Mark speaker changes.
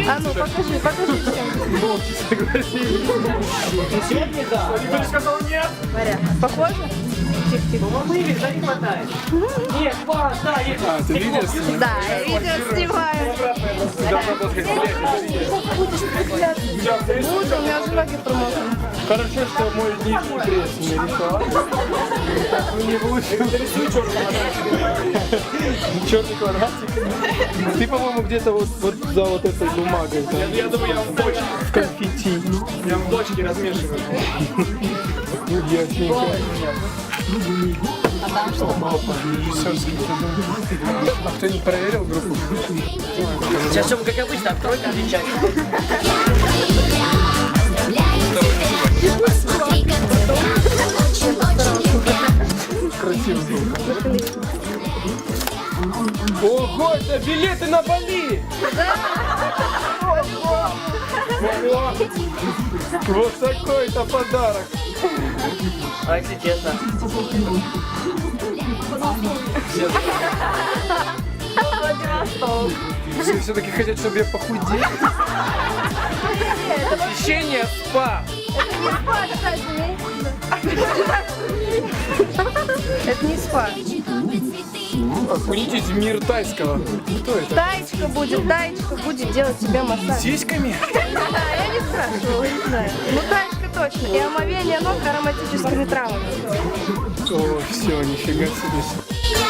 Speaker 1: А ну, покажи, чем.
Speaker 2: Молча согласились.
Speaker 3: Сегодня да.
Speaker 2: Никто не сказал нет.
Speaker 1: Похоже?
Speaker 3: Но мы видели, да, не хватает. Нет, па, да, есть.
Speaker 2: А, ты видишь?
Speaker 1: Да, я видео снимаю. Буду, у меня уже ноги промокли.
Speaker 2: Хорошо, что мой нижний крест не рисовал. Так вы не получил. Черный квадратик. Ты, по-моему, где-то вот за вот этой бумагой. Я думаю, я в бочке. В конфетти. Я в бочке размешиваю. Ясненько.
Speaker 1: А там что?
Speaker 2: Режиссерский трудом. А кто не проверил группу?
Speaker 3: Сейчас все как обычно, открой там чай.
Speaker 2: Красиво звук. Ого, это билеты на Бали! Ого! Вот такой-то подарок!
Speaker 3: А если честно?
Speaker 2: Все-таки хотят, чтобы я похудел? Посещение спа!
Speaker 1: Это не спа, кстати, это не спа.
Speaker 2: Окунитесь в мир тайского. Кто это?
Speaker 1: Таечка будет делать тебе массаж.
Speaker 2: Сиськами?
Speaker 1: Я не спрашивала, не знаю. Ну, таечка точно. И омовение ног ароматическими травами.
Speaker 2: О, все, нифига себе.